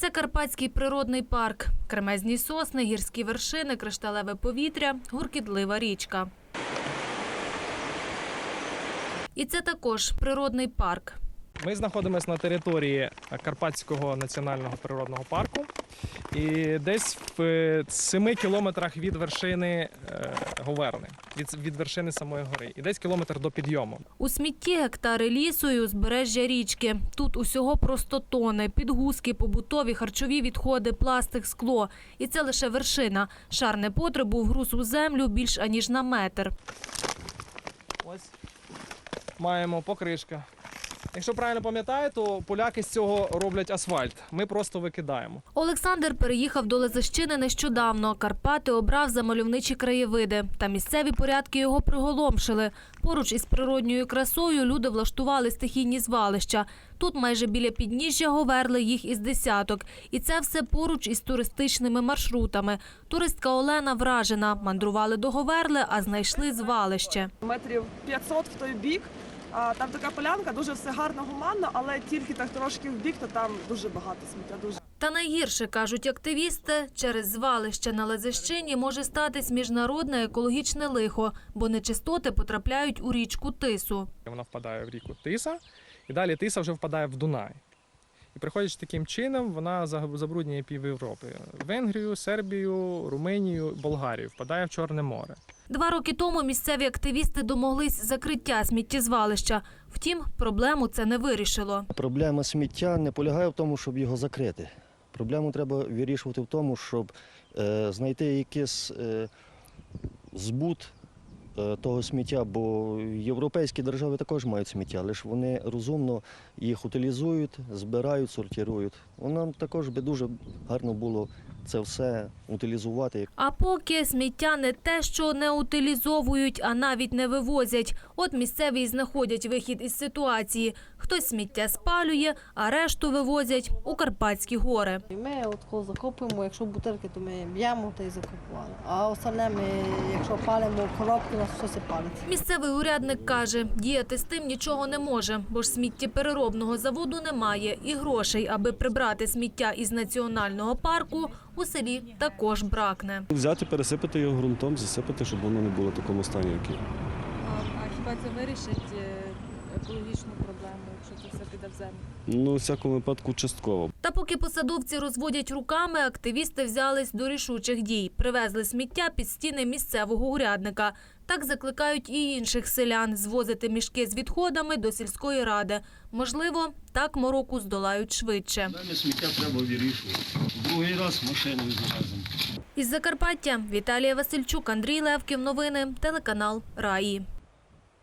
Це Карпатський природний парк. Кремезні сосни, гірські вершини, кришталеве повітря, гуркітлива річка. І це також природний парк. Ми знаходимося на території Карпатського національного природного парку. І десь в 7 кілометрах від вершини Говерни, від вершини самої гори. І десь кілометр до підйому. У смітті гектари лісу і узбережжя річки. Тут усього просто тони, підгузки, побутові, харчові відходи, пластик, скло. І це лише вершина. Шар непотребу вгруз у землю більш аніж на метр. Ось маємо покришка. Якщо правильно пам'ятаю, то поляки з цього роблять асфальт. Ми просто викидаємо. Олександр переїхав до Лозищини нещодавно. Карпати обрав за мальовничі краєвиди. Та місцеві порядки його приголомшили. Поруч із природньою красою люди влаштували стихійні звалища. Тут майже біля підніжжя Говерли їх із десяток. І це все поруч із туристичними маршрутами. Туристка Олена вражена. Мандрували до Говерли, а знайшли звалище. Метрів 500 в той бік. Там така полянка, дуже все гарно, гуманно, але тільки так трошки в бік, то там дуже багато сміття. Та найгірше, кажуть активісти, через звалище на Лозищині може статись міжнародне екологічне лихо, бо нечистоти потрапляють у річку Тису. Вона впадає в ріку Тиса, і далі Тиса вже впадає в Дунай. І приходячи таким чином, вона забруднює пів Європи. Венгрію, Сербію, Румунію, Болгарію, впадає в Чорне море. 2 роки тому місцеві активісти домоглись закриття сміттєзвалища. Втім, проблему це не вирішило. Проблема сміття не полягає в тому, щоб його закрити. Проблему треба вирішувати в тому, щоб знайти якийсь збут того сміття, бо європейські держави також мають сміття, але ж вони розумно їх утилізують, збирають, сортують. Нам також би дуже гарно було це все утилізувати. А поки сміття не те, що не утилізовують, а навіть не вивозять. От місцеві й знаходять вихід із ситуації. Хтось сміття спалює, а решту вивозять у Карпатські гори. Ми от закопуємо, якщо бутилки, то ми б'ємо та й закопували. А остальне ми, якщо палимо коробки, у нас щось і палить. Місцевий урядник каже, діяти з тим нічого не може, бо ж сміттєпереробного заводу немає і грошей, аби прибрати сміття із національного парку, у селі також бракне. Взяти, пересипати його ґрунтом, засипати, щоб воно не було в такому стані, як є. А хіба це вирішить екологічну проблему, якщо це все піде в землю? Ну, у всякому випадку, частково. Та поки посадовці розводять руками, активісти взялись до рішучих дій. Привезли сміття під стіни місцевого урядника. Так закликають і інших селян звозити мішки з відходами до сільської ради. Можливо, так мороку здолають швидше. Далі сміття треба вирішувати. Другий раз машиною завеземо. Із Закарпаття Віталія Васильчук, Андрій Левків. Новини. Телеканал Раї.